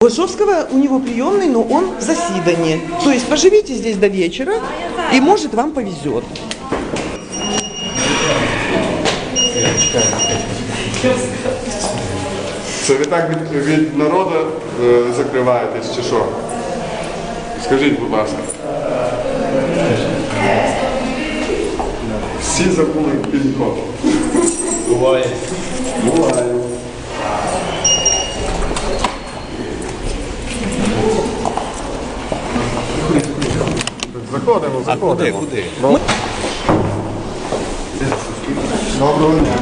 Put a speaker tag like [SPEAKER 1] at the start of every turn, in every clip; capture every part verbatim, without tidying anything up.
[SPEAKER 1] Лошовского у него приемный, но он в заседании. То есть поживите здесь до вечера, и может вам повезет.
[SPEAKER 2] Це ви так від, від народу е, закриваєтесь чи що? Скажіть, будь ласка. Всі забули пін-код.
[SPEAKER 3] Буває.
[SPEAKER 2] Буває. Заходимо,
[SPEAKER 3] А куди,
[SPEAKER 2] заходимо.
[SPEAKER 3] куди?
[SPEAKER 2] Доброго дня.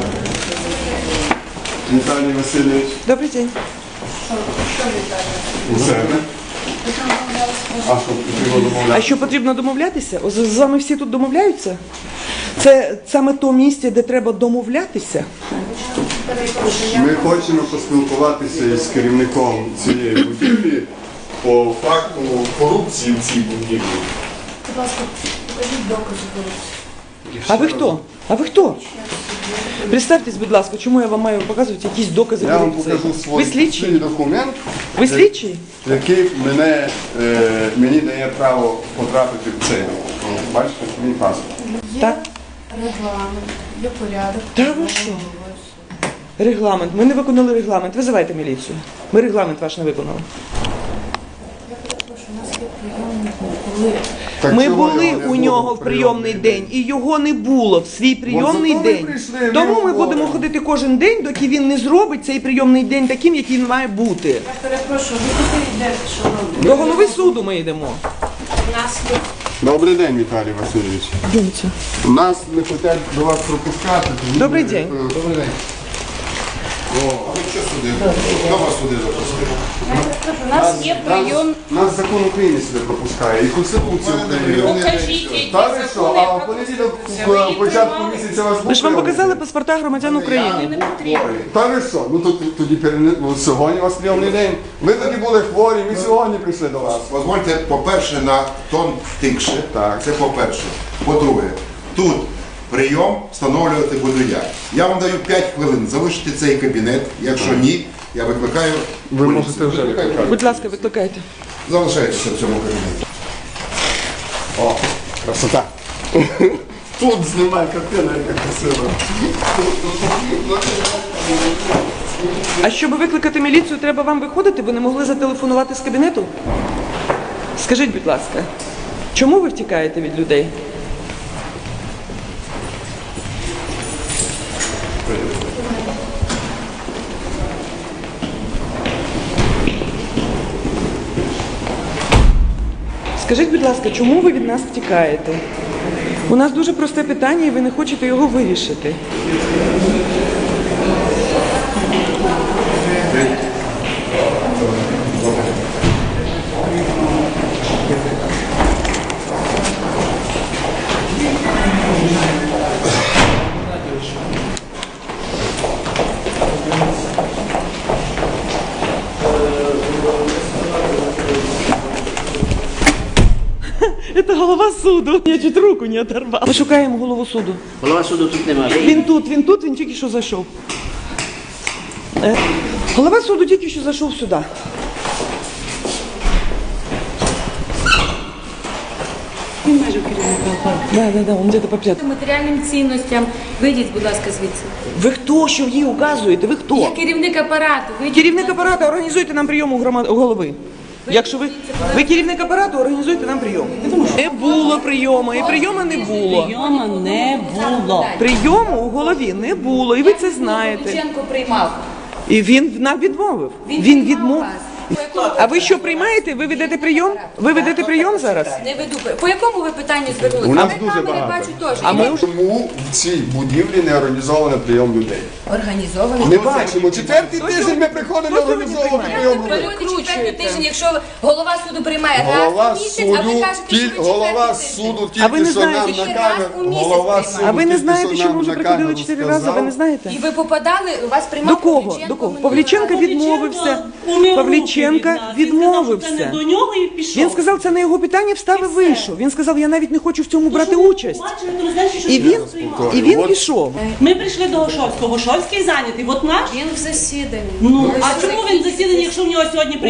[SPEAKER 2] Віталій Васильович.
[SPEAKER 1] Добрий день.
[SPEAKER 2] У себе. А що потрібно домовляти?
[SPEAKER 1] А що потрібно домовлятися? З з вами всі тут домовляються? Це саме то місце, де треба домовлятися?
[SPEAKER 2] Ми хочемо поспілкуватися із керівником цієї будівлі по факту корупції в цій будівлі.
[SPEAKER 4] Будь ласка, покажіть докази корупції.
[SPEAKER 1] А ви хто? А ви хто? Представтесь, будь ласка, чому я вам маю показувати якісь докази
[SPEAKER 2] Я вам
[SPEAKER 1] корупції?
[SPEAKER 2] покажу
[SPEAKER 1] Ви
[SPEAKER 2] свій,
[SPEAKER 1] слідчий?
[SPEAKER 2] свій документ,
[SPEAKER 1] Ви слідчий?
[SPEAKER 2] який мене, е, мені дає право потрапити в цей. Бачите, мій паспорт.
[SPEAKER 4] Є
[SPEAKER 1] Так.
[SPEAKER 4] регламент, є порядок.
[SPEAKER 1] Та ви що? Регламент. Ми не виконали регламент. Визивайте міліцію. Ми регламент ваш не виконали.
[SPEAKER 4] Я перепрошую, у нас є прийомні коли.
[SPEAKER 2] Так
[SPEAKER 1] Ми
[SPEAKER 2] чого
[SPEAKER 1] були
[SPEAKER 2] його не
[SPEAKER 1] у
[SPEAKER 2] було
[SPEAKER 1] нього в прийомний день, і його не було в свій прийомний
[SPEAKER 2] зато ви
[SPEAKER 1] день.
[SPEAKER 2] прийшли,
[SPEAKER 1] Тому
[SPEAKER 2] ми
[SPEAKER 1] ми
[SPEAKER 2] говоримо.
[SPEAKER 1] будемо ходити кожен день, доки він не зробить цей прийомний день таким, який він має бути.
[SPEAKER 4] Я перепрошую, ви куди йдете, шановні?
[SPEAKER 1] До голови суду ми йдемо.
[SPEAKER 4] У нас є
[SPEAKER 2] Добрий день, Віталій Васильович. Нас не хочуть до вас пропускати. тому
[SPEAKER 1] Добрий
[SPEAKER 2] ми,
[SPEAKER 1] день.
[SPEAKER 2] е,
[SPEAKER 3] Добрий день. О, а ви що сюди? Хто вас сюди запустив?
[SPEAKER 4] Я перепрошую, у нас є прийом.
[SPEAKER 2] Нас, нас закон України сюди пропускає, і Конституція України.
[SPEAKER 4] Покажіть, які
[SPEAKER 2] Та ви що,
[SPEAKER 4] закони
[SPEAKER 2] а в
[SPEAKER 4] про
[SPEAKER 2] понеділок
[SPEAKER 4] Конституцію. Ви
[SPEAKER 2] в
[SPEAKER 4] їх
[SPEAKER 2] початку
[SPEAKER 4] приймали?
[SPEAKER 2] місяця вас
[SPEAKER 1] Ми ж вам
[SPEAKER 2] був
[SPEAKER 1] показали
[SPEAKER 2] прийомний
[SPEAKER 1] паспорта громадян
[SPEAKER 4] Мені
[SPEAKER 1] України.
[SPEAKER 4] не потрібно.
[SPEAKER 2] день. Та ви що? Ну то тоді перене- ну, сьогодні у вас прийомний день. Ви тоді були хворі, ми сьогодні прийшли до вас.
[SPEAKER 3] Дозвольте, по-перше, на тон тикше.
[SPEAKER 2] Так.
[SPEAKER 3] Це по-перше. По-друге, тут прийом встановлювати буду я. Я вам даю п'ять хвилин залишити цей кабінет. Якщо ні, я викликаю
[SPEAKER 2] Ви
[SPEAKER 3] поліцію.
[SPEAKER 2] можете вже
[SPEAKER 3] Викликаю.
[SPEAKER 2] викликати.
[SPEAKER 1] Будь ласка, викликайте.
[SPEAKER 3] Залишайтеся в цьому кабінеті.
[SPEAKER 2] О, красота. Тут знімає картина, яка красива.
[SPEAKER 1] А щоб викликати міліцію, треба вам виходити? Ви не могли зателефонувати з кабінету? Скажіть, будь ласка, чому ви втікаєте від людей? Скажіть, будь ласка, чому ви від нас втікаєте? У нас дуже просте питання, і ви не хочете його вирішити. Это голова суду. Я чуть руку не оторвала. Ми шукаємо голову суду.
[SPEAKER 5] Голова суду тут немає.
[SPEAKER 1] Він тут, він тут, він тільки що зайшов. Е, Голова суду тільки що зайшов сюди. Він майже керівника. Да, да, да, він десь по п'ятому.
[SPEAKER 6] Матеріальним цінностям. Вийдіть, будь ласка, звідси.
[SPEAKER 1] Ви хто, що їй указуєте? Ви
[SPEAKER 6] Я
[SPEAKER 1] хто?
[SPEAKER 6] керівник апарату. Вийдіть,
[SPEAKER 1] Керівник
[SPEAKER 6] будь ласка.
[SPEAKER 1] апарату, організуйте нам прийом у громад... у голови. Якщо ви, ви керівник апарату, організуйте нам прийом. Не було прийому, і прийому не було.
[SPEAKER 7] Прийому не було.
[SPEAKER 1] Прийому у голові не було, і ви це знаєте.
[SPEAKER 6] Лученко приймав.
[SPEAKER 1] І він нам відмовив. Він
[SPEAKER 6] приймав
[SPEAKER 1] відмовив.
[SPEAKER 6] вас. По якому
[SPEAKER 1] А ви що приймаєте? Ви ведете прийом? Ви ведете прийом зараз?
[SPEAKER 6] Не веду. По якому ви питанню звернулися?
[SPEAKER 2] У нас
[SPEAKER 6] А ви
[SPEAKER 2] дуже
[SPEAKER 6] камери
[SPEAKER 2] багато.
[SPEAKER 6] бачу теж.
[SPEAKER 1] А ми
[SPEAKER 6] І ви
[SPEAKER 1] вже
[SPEAKER 2] Чому в цій будівлі не організовано прийом людей?
[SPEAKER 6] організовані.
[SPEAKER 2] Не бачимо. Четвертий тиждень ми приходимо
[SPEAKER 1] Хто сьогодні
[SPEAKER 2] організовувати
[SPEAKER 1] приймає?
[SPEAKER 2] прийом
[SPEAKER 6] Ви
[SPEAKER 2] людей.
[SPEAKER 6] люди четвертий тиждень, якщо голова суду приймає
[SPEAKER 2] Голова
[SPEAKER 6] раз у місяць, а ви
[SPEAKER 2] суду,
[SPEAKER 6] кажете, що
[SPEAKER 2] ті-
[SPEAKER 6] ви
[SPEAKER 2] голова
[SPEAKER 6] четвертий тиждень.
[SPEAKER 2] суду
[SPEAKER 1] А ви
[SPEAKER 2] тільки
[SPEAKER 1] не
[SPEAKER 2] що нам
[SPEAKER 1] знаєте,
[SPEAKER 2] на
[SPEAKER 6] що
[SPEAKER 2] камеру.
[SPEAKER 6] раз у місяць
[SPEAKER 2] Голова
[SPEAKER 6] приймає.
[SPEAKER 2] суду
[SPEAKER 1] А ви не
[SPEAKER 2] тільки
[SPEAKER 1] знаєте,
[SPEAKER 2] що
[SPEAKER 1] що
[SPEAKER 2] нам
[SPEAKER 1] ми вже
[SPEAKER 2] на
[SPEAKER 1] приходили
[SPEAKER 2] камеру
[SPEAKER 1] чотири рази? Ви не
[SPEAKER 2] сказав.
[SPEAKER 1] знаєте?
[SPEAKER 6] І ви попадали, вас приймав
[SPEAKER 1] До кого?
[SPEAKER 6] Павліченко
[SPEAKER 1] До кого?
[SPEAKER 6] минулого
[SPEAKER 1] Павліченко
[SPEAKER 6] разу.
[SPEAKER 1] відмовився.
[SPEAKER 7] Умів
[SPEAKER 1] Павліченка
[SPEAKER 7] руки від нас. Він сказав, що це
[SPEAKER 1] відмовився.
[SPEAKER 7] не до нього і пішов.
[SPEAKER 1] Він сказав, це не його питання, встав і вийшов. Він сказав, я навіть не хочу в цьому брати
[SPEAKER 7] Тому що
[SPEAKER 1] участь.
[SPEAKER 7] ми бачили, то значить, що
[SPEAKER 1] І
[SPEAKER 7] він
[SPEAKER 1] він,
[SPEAKER 7] нас приймав.
[SPEAKER 1] і він
[SPEAKER 2] От-
[SPEAKER 1] пішов.
[SPEAKER 7] Ми прийшли до Гошовського. Гошовський зайнятий. От наш.
[SPEAKER 6] Він в засіданні.
[SPEAKER 7] Ну,
[SPEAKER 6] Ви
[SPEAKER 7] а
[SPEAKER 6] що
[SPEAKER 7] чому
[SPEAKER 6] такі?
[SPEAKER 7] він засіданий, якщо в нього сьогодні
[SPEAKER 1] У
[SPEAKER 7] прийом?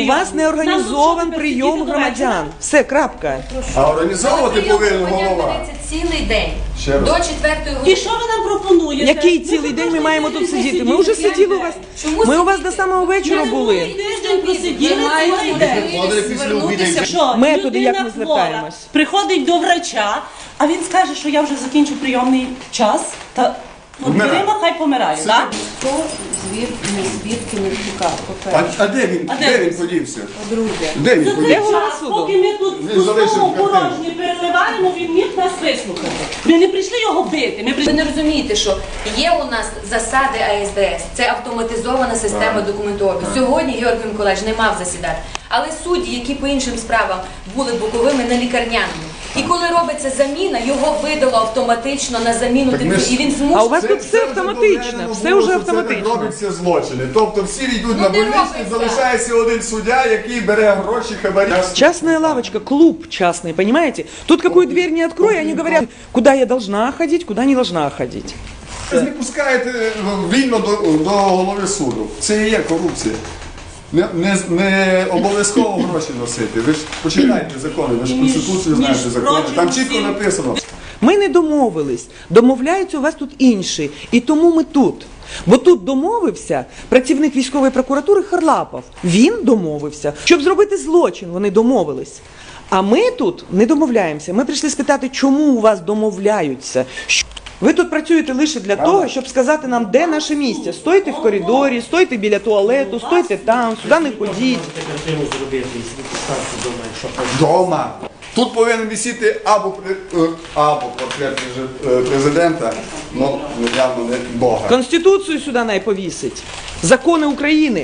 [SPEAKER 1] вас не організований прийом громадян. Все, крапка.
[SPEAKER 2] А організовувати
[SPEAKER 6] Прийом
[SPEAKER 2] повинен
[SPEAKER 6] громадян
[SPEAKER 2] голова.
[SPEAKER 6] ведеться цілий день.
[SPEAKER 2] Ще раз.
[SPEAKER 6] До четвертої
[SPEAKER 7] І
[SPEAKER 6] години.
[SPEAKER 7] що ви нам пропонуєте?
[SPEAKER 1] Який
[SPEAKER 7] Ми
[SPEAKER 1] цілий день ми
[SPEAKER 7] кожен
[SPEAKER 1] маємо
[SPEAKER 7] тиждень
[SPEAKER 1] тут сидіти? Ми вже
[SPEAKER 7] сиділи.
[SPEAKER 1] сиділи у вас.
[SPEAKER 6] Чому
[SPEAKER 1] Ми у вас
[SPEAKER 6] сидіти?
[SPEAKER 1] до самого вечора
[SPEAKER 7] Ми
[SPEAKER 1] були.
[SPEAKER 7] тиждень просиділи
[SPEAKER 6] Ви маєте
[SPEAKER 7] цілий день.
[SPEAKER 6] можливість звернутися.
[SPEAKER 7] Що,
[SPEAKER 1] Методи,
[SPEAKER 7] людина
[SPEAKER 1] як ми
[SPEAKER 7] хвора,
[SPEAKER 1] звертаємось?
[SPEAKER 7] приходить до врача, а він скаже, що я вже закінчу прийомний час, та от
[SPEAKER 2] Вмирає.
[SPEAKER 7] дверима хай помирає, так?
[SPEAKER 4] Хто звідки, не звідки не втікав,
[SPEAKER 2] А,
[SPEAKER 4] по-перше.
[SPEAKER 2] а де він?
[SPEAKER 7] А де
[SPEAKER 2] Де
[SPEAKER 7] він?
[SPEAKER 2] він подівся?
[SPEAKER 4] По-друге,
[SPEAKER 2] Де він
[SPEAKER 7] За цей
[SPEAKER 2] подівся?
[SPEAKER 1] голова
[SPEAKER 7] час,
[SPEAKER 1] суду?
[SPEAKER 7] поки ми тут
[SPEAKER 2] Він залишив
[SPEAKER 7] пустому
[SPEAKER 2] картину.
[SPEAKER 7] порожні переливаємо, він міг нас вислухати. Ми не прийшли його бити, ми
[SPEAKER 6] Ви
[SPEAKER 7] прийшли...
[SPEAKER 6] не розумієте, що є у нас засади А С Д С, це автоматизована система документообігу. Сьогодні Георгій Миколаївич не мав засідати. Але судді, які по іншим справам були боковими, на лікарняному. І коли робиться заміна, його видало автоматично на заміну
[SPEAKER 2] Так ми
[SPEAKER 6] типу,
[SPEAKER 2] ж-
[SPEAKER 6] і він
[SPEAKER 1] А у
[SPEAKER 6] змушений.
[SPEAKER 1] вас тут все
[SPEAKER 2] вже
[SPEAKER 1] автоматично,
[SPEAKER 2] доведено
[SPEAKER 1] все
[SPEAKER 2] було,
[SPEAKER 1] вже
[SPEAKER 2] що це так
[SPEAKER 1] автоматично.
[SPEAKER 2] робиться злочини. Тобто всі йдуть
[SPEAKER 6] Ну,
[SPEAKER 2] на
[SPEAKER 6] не
[SPEAKER 2] больничний,
[SPEAKER 6] робиться.
[SPEAKER 2] залишається один суддя, який бере гроші, хабарі.
[SPEAKER 1] Частная лавочка, клуб частный, понимаете? Тут какую дверь не открой, они говорят, куда я должна ходить, куда не должна ходить.
[SPEAKER 2] Ви не пускаєте вільно до, до голови суду. Це і є корупція. Не, не, не обов'язково гроші носити. Ви ж почитайте закони, ви ж
[SPEAKER 7] Між-
[SPEAKER 2] Конституцію
[SPEAKER 7] між
[SPEAKER 2] знаєте закони. Там
[SPEAKER 7] прочим,
[SPEAKER 2] чітко
[SPEAKER 7] всім-
[SPEAKER 2] написано.
[SPEAKER 1] Ми не домовились. Домовляються у вас тут інші. І тому ми тут. Бо тут домовився працівник військової прокуратури Харлапов. Він домовився. Щоб зробити злочин, вони домовились. А ми тут не домовляємося. Ми прийшли спитати, чому у вас домовляються. Що- Ви тут працюєте лише для того, щоб сказати нам, де наше місце. Стойте в коридорі, стойте біля туалету, стойте там, сюди не ходіть.
[SPEAKER 5] картину зробити, і собі поставити вдома, якщо хочеш.
[SPEAKER 2] Дома. Тут повинен висіти або, при- е, або портрет преже- е, президента, ну явно не Бога.
[SPEAKER 1] Конституцію сюди най повісить. Закони України.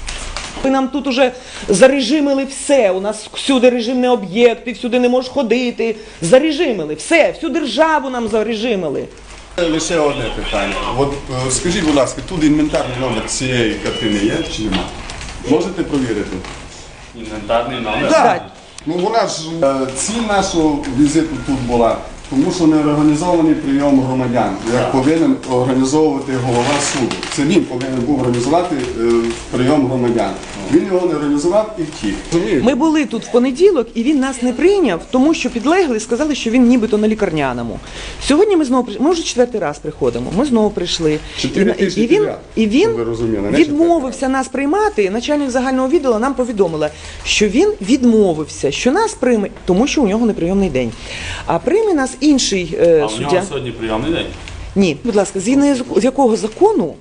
[SPEAKER 1] Ви нам тут уже зарежимили все. У нас всюди режимні об'єкти, всюди не можеш ходити. Зарежимили все, всю державу нам зарежимили.
[SPEAKER 2] Лише одне питання. От е, скажіть, будь ласка, тут інвентарний номер цієї картини є чи нема? Можете провірити?
[SPEAKER 8] Інвентарний номер.
[SPEAKER 1] Так.
[SPEAKER 2] Ну вона ж е, ціль нашого візиту тут була, тому що не організований прийом громадян, як повинен організовувати голова суду. Це він повинен був організувати е, прийом громадян. Він його не організував і втік. Розумієте?
[SPEAKER 1] Ми були тут в понеділок, і він нас не прийняв, тому що підлегли, сказали, що він нібито на лікарняному. Сьогодні ми знову прийшли, ми вже четвертий раз приходимо, ми знову прийшли.
[SPEAKER 2] Чотири
[SPEAKER 1] І-
[SPEAKER 2] тижні
[SPEAKER 1] і він,
[SPEAKER 2] підряд,
[SPEAKER 1] і він
[SPEAKER 2] щоб ви розуміли, не
[SPEAKER 1] відмовився нас приймати. Начальник загального відділу нам повідомила, що він відмовився, що нас прийме, тому що у нього неприйомний день. А прийме нас інший е,
[SPEAKER 8] А у
[SPEAKER 1] суддя.
[SPEAKER 8] нього сьогодні прийомний день?
[SPEAKER 1] Ні, будь ласка, згідно з якого закону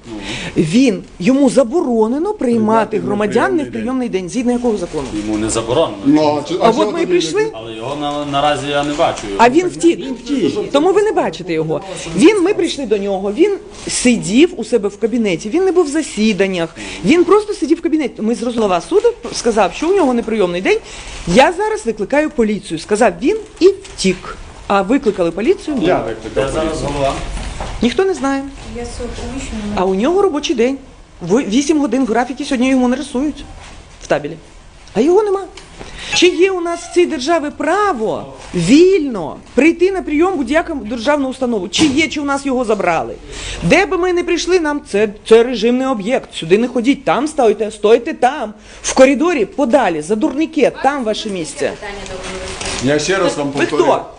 [SPEAKER 1] він йому заборонено приймати громадян не в прийомний день. Згідно якого закону?
[SPEAKER 8] Йому не заборонено.
[SPEAKER 2] Ну, чи-
[SPEAKER 1] А
[SPEAKER 2] що
[SPEAKER 1] от ми і
[SPEAKER 2] тоді
[SPEAKER 1] прийшли.
[SPEAKER 8] Але його на, наразі я не бачу. Його.
[SPEAKER 1] А він втік. Тому ви не бачите його. Він, ми прийшли до нього, він сидів у себе в кабінеті, він не був в засіданнях, він просто сидів в кабінеті. Ми з голова суду сказав, що у нього неприйомний день. Я зараз викликаю поліцію. Сказав він і втік. А викликали поліцію?
[SPEAKER 2] Я
[SPEAKER 8] Де
[SPEAKER 2] викликав
[SPEAKER 8] зараз
[SPEAKER 2] поліцію.
[SPEAKER 8] голова?
[SPEAKER 1] Ніхто не знає.
[SPEAKER 4] я свого приміщення
[SPEAKER 1] А у нього робочий день. В- Вісім годин в графіки сьогодні йому не рисують в табелі. А його нема. Чи є у нас в цій державі право вільно прийти на прийом будь-яку державну установу? Чи є, чи у нас його забрали? Де би ми не прийшли, нам це, це режимний об'єкт. Сюди не ходіть, там стойте, стойте там. В коридорі подалі, за дурнике, там ваше місце.
[SPEAKER 6] Питання до голови.
[SPEAKER 2] Я ще раз вам
[SPEAKER 1] Ви
[SPEAKER 2] повторю.
[SPEAKER 1] хто?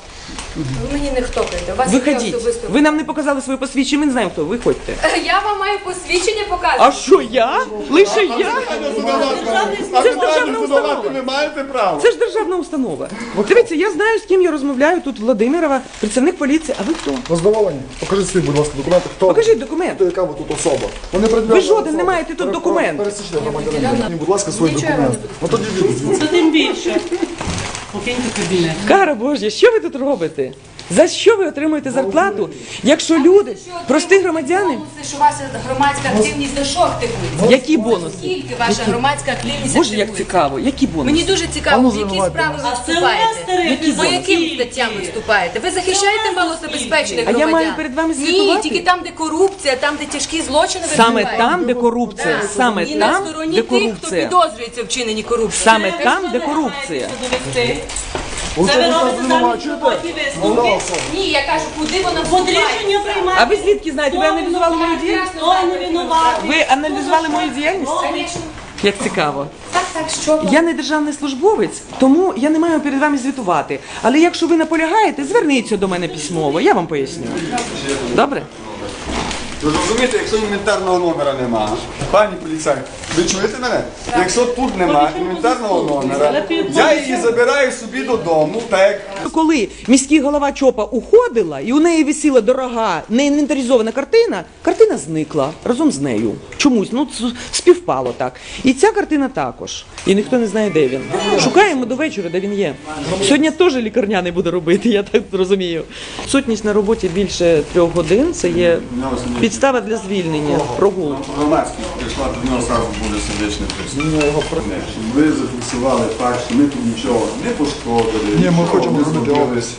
[SPEAKER 6] Ви мені не хтопаєте. У вас є
[SPEAKER 1] Виходіть.
[SPEAKER 6] особисто.
[SPEAKER 1] Ви нам не показали своє посвідчення, ми не знаємо, хто. Виходьте.
[SPEAKER 6] Я вам маю посвідчення показувати.
[SPEAKER 1] А що я? Лише я?
[SPEAKER 2] А
[SPEAKER 1] Це ж
[SPEAKER 2] питання
[SPEAKER 1] державна
[SPEAKER 2] задавати
[SPEAKER 1] установа.
[SPEAKER 2] ви маєте право.
[SPEAKER 1] Це ж державна установа. Дивіться, я знаю, з ким я розмовляю тут Владимирова, працівник поліції. А ви хто?
[SPEAKER 9] Задоволені. Покажіть свої, будь ласка, документи. Хто?
[SPEAKER 1] Покажіть документ.
[SPEAKER 9] Хто, яка ви тут особа? Ви, не пред'явлена
[SPEAKER 1] Ви жоден
[SPEAKER 9] особа.
[SPEAKER 1] не маєте тут
[SPEAKER 9] Пере-
[SPEAKER 1] документів.
[SPEAKER 9] Пересічний громадянин. Будь ласка, свої
[SPEAKER 6] Нічого я
[SPEAKER 9] документи. Ну тоді від.
[SPEAKER 7] Це тим більше. Покиньте кабінет.
[SPEAKER 1] Кара Божя, що ви тут робите? За що ви отримуєте зарплату, якщо люди, прості громадяни,
[SPEAKER 6] Бонуси, що ваша громадська активність до що активується?
[SPEAKER 1] які бонуси?
[SPEAKER 6] Скільки ваша громадська активність
[SPEAKER 1] Боже, як
[SPEAKER 6] активується?
[SPEAKER 1] цікаво, які
[SPEAKER 6] Мені
[SPEAKER 1] бонуси?
[SPEAKER 6] дуже цікаво, в які справи ви
[SPEAKER 7] А це
[SPEAKER 6] вступаєте?
[SPEAKER 7] мастери,
[SPEAKER 6] Які По яким
[SPEAKER 7] скільки?
[SPEAKER 6] статтям ви вступаєте? Ви захищаєте
[SPEAKER 7] Це
[SPEAKER 6] малозабезпечених
[SPEAKER 1] А я
[SPEAKER 6] громадян?
[SPEAKER 1] маю перед вами
[SPEAKER 6] Ні,
[SPEAKER 1] звітувати?
[SPEAKER 6] тільки там, де корупція, там, де тяжкі злочини ви
[SPEAKER 1] Саме
[SPEAKER 6] вживаєте.
[SPEAKER 1] там, де корупція,
[SPEAKER 6] Так.
[SPEAKER 1] саме
[SPEAKER 6] І на
[SPEAKER 1] там,
[SPEAKER 6] стороні
[SPEAKER 1] де
[SPEAKER 6] тих, хто
[SPEAKER 1] корупція.
[SPEAKER 6] підозрюється в вчиненні корупції.
[SPEAKER 1] Саме
[SPEAKER 7] Ви
[SPEAKER 1] там,
[SPEAKER 7] що
[SPEAKER 1] де
[SPEAKER 7] не
[SPEAKER 1] корупція.
[SPEAKER 7] намагаєтеся довести?
[SPEAKER 9] Оце
[SPEAKER 7] Це ви
[SPEAKER 9] ви
[SPEAKER 7] робите
[SPEAKER 9] зараз
[SPEAKER 7] замість
[SPEAKER 9] звинувачуєте?
[SPEAKER 7] роботі висновки.
[SPEAKER 6] Ні, я кажу, куди вона
[SPEAKER 7] От рішення
[SPEAKER 6] вступає?
[SPEAKER 7] приймати.
[SPEAKER 1] А ви звідки знаєте? Ви аналізували мою діяльність?
[SPEAKER 7] Хто не винуватий?
[SPEAKER 1] Ви аналізували мою діяльність?
[SPEAKER 6] Звісно.
[SPEAKER 1] Як цікаво.
[SPEAKER 6] Так, так. Так, що
[SPEAKER 1] Я не державний службовець, тому я не маю перед вами звітувати. Але якщо ви наполягаєте, зверніться до мене письмово, я вам поясню. Добре?
[SPEAKER 2] Ви розумієте, якщо інвентарного номера немає, пані поліцай, ви чуєте мене? Якщо тут немає інвентарного номера, я її забираю собі додому, так.
[SPEAKER 1] Коли міський голова ЧОПа уходила, і у неї висіла дорога, неінвентаризована картина, картина зникла разом з нею. Чомусь, ну ц- співпало так. І ця картина також. І ніхто не знає, де він. Шукаємо до вечора, де він є. Сьогодні теж лікарняний буде робити, я так розумію. Сутність на роботі більше трьох годин, це є підстава для звільнення, прогул.
[SPEAKER 2] Громадський прийшла, до нього одразу буде сердечний приступ. Ви зафіксували факт, що ми тут нічого не пошкодили.
[SPEAKER 9] Ні, ми
[SPEAKER 2] нічого
[SPEAKER 9] хочемо
[SPEAKER 2] не
[SPEAKER 9] зробити
[SPEAKER 2] зробили.
[SPEAKER 9] опис.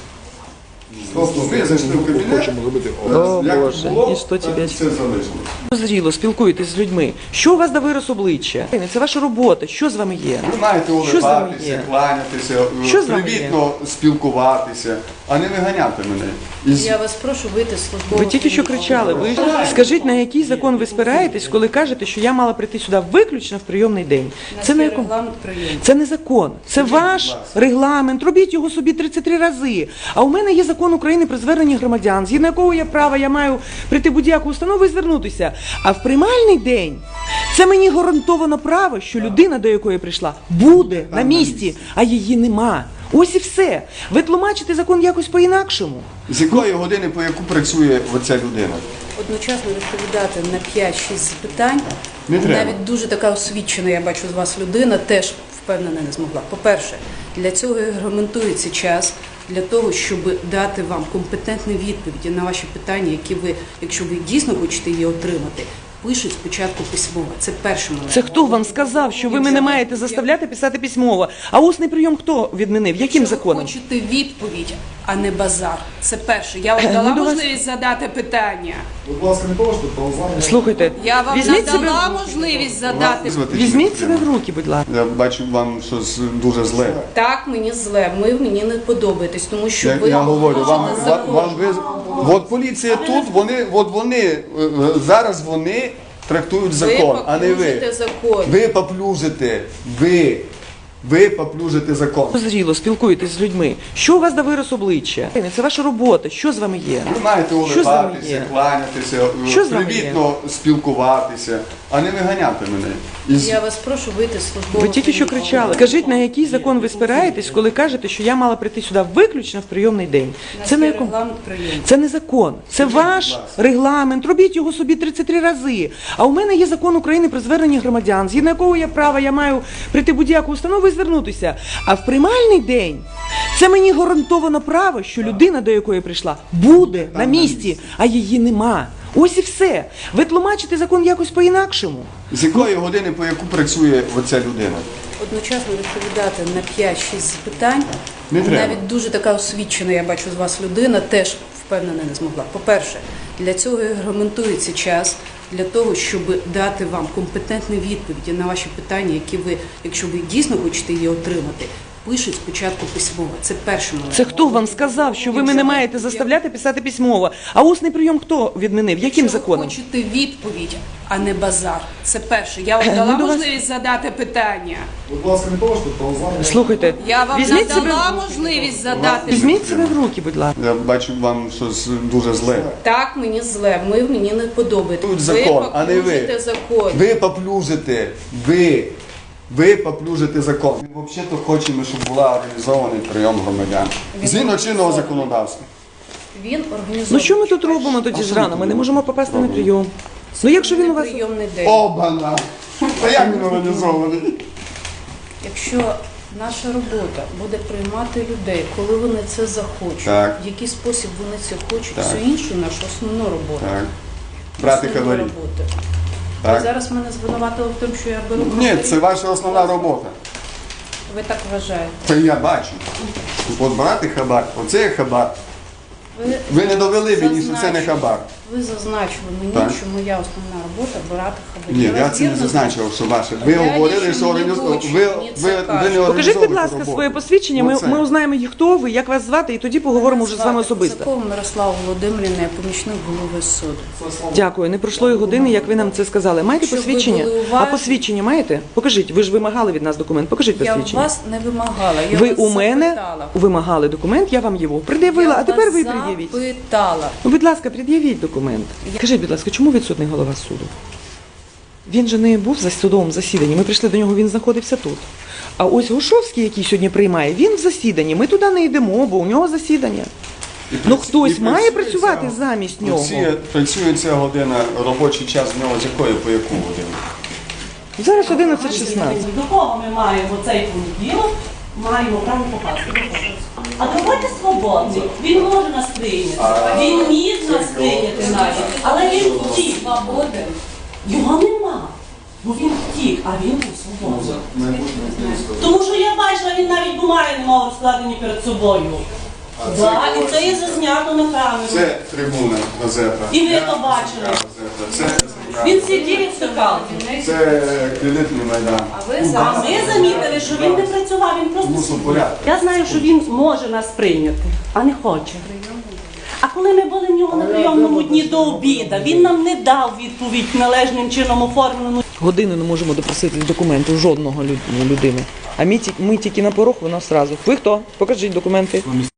[SPEAKER 2] Тобто ви зайшли в кабінет,
[SPEAKER 9] Хочемо зробити опис.
[SPEAKER 1] О,
[SPEAKER 2] як
[SPEAKER 1] Боже,
[SPEAKER 2] було,
[SPEAKER 1] і що тебе?
[SPEAKER 2] так все залишилось.
[SPEAKER 1] Зріло, спілкуєтесь з людьми. Що у вас до вираз обличчя? Це ваша робота. Що з вами є?
[SPEAKER 2] Ви маєте
[SPEAKER 1] Що з вами
[SPEAKER 2] улибатися,
[SPEAKER 1] є?
[SPEAKER 2] кланятися,
[SPEAKER 1] Що з вами
[SPEAKER 2] привітно спілкуватися, а не виганяти мене. Із...
[SPEAKER 4] Я вас прошу вийти з службового.
[SPEAKER 1] Ви тільки що кричали. Ви скажіть, на який закон ви спираєтесь, коли кажете, що я мала прийти сюди виключно в прийомний день? Це на якому?
[SPEAKER 4] регламент прийому.
[SPEAKER 1] Це не закон, це ваш регламент. Робіть його собі тридцять три рази. А у мене є закон України про звернення громадян, згідно якого я права, я маю прийти в будь-яку установу і звернутися. А в приймальний день це мені гарантовано право, що людина, до якої я прийшла, буде на місці, а її нема. Ось і все. Ви тлумачите закон якось по-інакшому.
[SPEAKER 2] З якої години, по яку працює оця людина?
[SPEAKER 4] Одночасно відповідати на п'ять-шість запитань.
[SPEAKER 2] Не треба.
[SPEAKER 4] Навіть дуже така освічена, я бачу з вас людина, теж впевнена не змогла. По-перше, для цього і регламентується час, для того, щоб дати вам компетентні відповіді на ваші питання, які ви, якщо ви дійсно хочете її отримати, пишуть спочатку письмово. Це перший момент.
[SPEAKER 1] Це хто вам сказав, що ви мене маєте заставляти писати письмово? А усний прийом хто відмінив? Яким
[SPEAKER 4] Якщо
[SPEAKER 1] законом?
[SPEAKER 4] ви хочете відповідь, а не базар. Це перше. Я вам
[SPEAKER 1] Ми
[SPEAKER 4] дала
[SPEAKER 1] до вас-
[SPEAKER 4] можливість задати питання.
[SPEAKER 9] Будь ласка, не поважте, повзання.
[SPEAKER 1] Слухайте,
[SPEAKER 4] Я вам
[SPEAKER 1] візьміть себе,
[SPEAKER 4] надала можливість задати.
[SPEAKER 2] Звати
[SPEAKER 1] візьміть
[SPEAKER 2] чи
[SPEAKER 1] себе
[SPEAKER 2] не
[SPEAKER 1] в руки, будь ласка.
[SPEAKER 2] Я бачу вам щось дуже зле.
[SPEAKER 4] Так, мені зле, ви мені не подобаєтесь, тому що
[SPEAKER 2] Я,
[SPEAKER 4] ви
[SPEAKER 2] я говорю, вам,
[SPEAKER 4] порушите
[SPEAKER 2] вам,
[SPEAKER 4] закон.
[SPEAKER 2] вам ви, от поліція тут, вони, от вони, е, е, зараз вони трактують закон, а не ви.
[SPEAKER 4] поплюжите закон.
[SPEAKER 2] Ви поплюжите, ви, ви поплюжите закон.
[SPEAKER 1] Зріло, спілкуєтесь з людьми. Що у вас до вираз обличчя? Це ваша робота. Що з вами є?
[SPEAKER 2] Ви маєте
[SPEAKER 1] Що з вами
[SPEAKER 2] улибатися,
[SPEAKER 1] є?
[SPEAKER 2] кланятися,
[SPEAKER 1] Що з вами
[SPEAKER 2] привітно спілкуватися, а не виганяти мене. Із...
[SPEAKER 4] Я вас прошу вийти з службового.
[SPEAKER 1] Ви тільки що кричали. Скажіть, на який закон ви спираєтесь, коли кажете, що я мала прийти сюди виключно в прийомний день? Це на якому?
[SPEAKER 4] регламент прийому.
[SPEAKER 1] Це не закон, це ваш регламент. Робіть його собі тридцять три рази. А у мене є закон України про звернення громадян, згідно якого я права, я маю прийти в будь-яку установу і звернутися. А в приймальний день це мені гарантовано право, що людина, до якої я прийшла, буде на місці, а її нема. Ось і все. Ви тлумачите закон якось по-інакшому.
[SPEAKER 2] З якої години, по яку працює оця людина?
[SPEAKER 4] Одночасно відповідати на п'ять-шість запитань.
[SPEAKER 2] Не треба.
[SPEAKER 4] Навіть дуже така освічена, я бачу з вас людина, теж впевнена не змогла. По-перше, для цього і регламентується час, для того, щоб дати вам компетентні відповіді на ваші питання, які ви, якщо ви дійсно хочете її отримати, пишуть спочатку письмово. Це перший момент.
[SPEAKER 1] Це хто вам сказав, що ви мене маєте заставляти писати письмово? А усний прийом хто відмінив? Яким
[SPEAKER 4] Якщо ви
[SPEAKER 1] законом?
[SPEAKER 4] хочете відповідь, а не базар. Це перше. Я вам
[SPEAKER 1] Ми
[SPEAKER 4] дала
[SPEAKER 1] до вас-
[SPEAKER 4] можливість задати питання.
[SPEAKER 9] Будь ласка, не поважте, повзання.
[SPEAKER 1] Слухайте,
[SPEAKER 4] Я вам
[SPEAKER 1] візьміть себе,
[SPEAKER 4] надала можливість задати.
[SPEAKER 1] візьміть себе в руки, будь ласка.
[SPEAKER 2] Я бачу вам щось дуже зле.
[SPEAKER 4] Так, мені зле, ви мені не подобаєтесь.
[SPEAKER 2] Тут закон, а не ви.
[SPEAKER 4] поплюжите закон.
[SPEAKER 2] Ви поплюжите, ви, ви поплюжите закон. Ми взагалі хочемо, щоб була організований прийом громадян. Згідно чинного законодавства.
[SPEAKER 4] Він організований.
[SPEAKER 1] Ну що ми тут робимо тоді зрано? Ми не можемо попасти на прийом. Ну якщо він у вас...
[SPEAKER 4] прийомний день.
[SPEAKER 2] Обана! А як він організований?
[SPEAKER 4] Якщо наша робота буде приймати людей, коли вони це захочуть,
[SPEAKER 2] Так.
[SPEAKER 4] в який спосіб вони це хочуть,
[SPEAKER 2] Так.
[SPEAKER 4] все інше наша основна робота.
[SPEAKER 2] Так. Брати
[SPEAKER 4] Основна
[SPEAKER 2] хабарі.
[SPEAKER 4] робота. Ви
[SPEAKER 2] Так.
[SPEAKER 4] зараз мене звинуватили в тому, що я беру
[SPEAKER 2] Ні,
[SPEAKER 4] хабарі?
[SPEAKER 2] це ваша основна робота.
[SPEAKER 4] Ви так вважаєте.
[SPEAKER 2] Це я бачу. От брати хабар, оце є хабар.
[SPEAKER 4] Ви,
[SPEAKER 2] Ви не довели мені, що це не
[SPEAKER 4] зазначили.
[SPEAKER 2] хабар.
[SPEAKER 4] Ви зазначили мені,
[SPEAKER 2] Так.
[SPEAKER 4] що моя основна робота брати хабарі.
[SPEAKER 2] Ні, я це не
[SPEAKER 4] розбірно
[SPEAKER 2] зазначив, що ваше. Ви
[SPEAKER 4] Я
[SPEAKER 2] говорили,
[SPEAKER 4] лично
[SPEAKER 2] що
[SPEAKER 4] не
[SPEAKER 2] організовували.
[SPEAKER 4] хочу,
[SPEAKER 2] Ви,
[SPEAKER 4] мені це
[SPEAKER 2] ви, ви
[SPEAKER 4] кажуть.
[SPEAKER 2] не
[SPEAKER 1] Покажіть,
[SPEAKER 2] організовуєте
[SPEAKER 1] будь ласка,
[SPEAKER 2] роботу.
[SPEAKER 1] своє посвідчення. Ми,
[SPEAKER 2] Оце.
[SPEAKER 1] ми узнаємо, хто ви, як вас звати, і тоді поговоримо вже з вами особисто.
[SPEAKER 4] Косакова Мирослава Володимирівна, я помічник голови суду.
[SPEAKER 1] Дякую. Не пройшло і години, як ви нам це сказали. Маєте
[SPEAKER 4] Щоб ви
[SPEAKER 1] посвідчення?
[SPEAKER 4] були
[SPEAKER 1] А
[SPEAKER 4] уважні.
[SPEAKER 1] посвідчення маєте? Покажіть. Ви ж вимагали від нас документ. Покажіть
[SPEAKER 4] Я
[SPEAKER 1] посвідчення.
[SPEAKER 4] вас не вимагала, я
[SPEAKER 1] Ви
[SPEAKER 4] вас
[SPEAKER 1] у мене
[SPEAKER 4] запитала.
[SPEAKER 1] вимагали документ, я вам його пред'явила,
[SPEAKER 4] Я
[SPEAKER 1] а тепер
[SPEAKER 4] вас
[SPEAKER 1] ви пред'явіть.
[SPEAKER 4] запитала.
[SPEAKER 1] Ну, будь ласка, пред'явіть документ. Скажіть, будь ласка, чому відсутний голова суду? Він же не був за судовому засіданні. Ми прийшли до нього, він знаходився тут. А ось Гушовський, який сьогодні приймає, він в засіданні. Ми туди не йдемо, бо у нього засідання.
[SPEAKER 2] І
[SPEAKER 1] Ну,
[SPEAKER 2] праці-
[SPEAKER 1] хтось
[SPEAKER 2] і
[SPEAKER 1] має
[SPEAKER 2] працює
[SPEAKER 1] працювати
[SPEAKER 2] ця-
[SPEAKER 1] замість нього.
[SPEAKER 2] Працює, працює ця година, робочий час в нього з якої по яку годину?
[SPEAKER 1] Зараз одинадцять шістнадцять.
[SPEAKER 7] До кого ми маємо цей понеділок? Маємо право попасти. До кого? А давайте свободний. Він може нас прийняти. Він міг нас прийняти навіть. Але він втік. Його нема. Бо він втік, а він був свободний. Тому що я бачила, він навіть бумаги не мав складені перед собою.
[SPEAKER 2] це
[SPEAKER 7] Так, і
[SPEAKER 2] когось-
[SPEAKER 7] це є зазнято на камеру.
[SPEAKER 2] Це трибуна газета.
[SPEAKER 7] І ви
[SPEAKER 2] Я-
[SPEAKER 7] то бачили.
[SPEAKER 2] газета. Це,
[SPEAKER 7] Він сидів і втикав.
[SPEAKER 2] це кредитний майдан.
[SPEAKER 4] А ви
[SPEAKER 7] А
[SPEAKER 4] зараз
[SPEAKER 7] ми замітили, що він не працював, він просто
[SPEAKER 2] Мусор
[SPEAKER 7] сидів.
[SPEAKER 2] порядку.
[SPEAKER 7] Я знаю, що він може нас прийняти, а не хоче. А коли ми були в нього на прийомному дні до обіда, він нам не дав відповідь належним чином оформлену.
[SPEAKER 1] Годину не можемо допросити документів жодного люд- людини. А ми, ті- ми тільки на порог, вона сразу. Ви хто? Покажіть документи.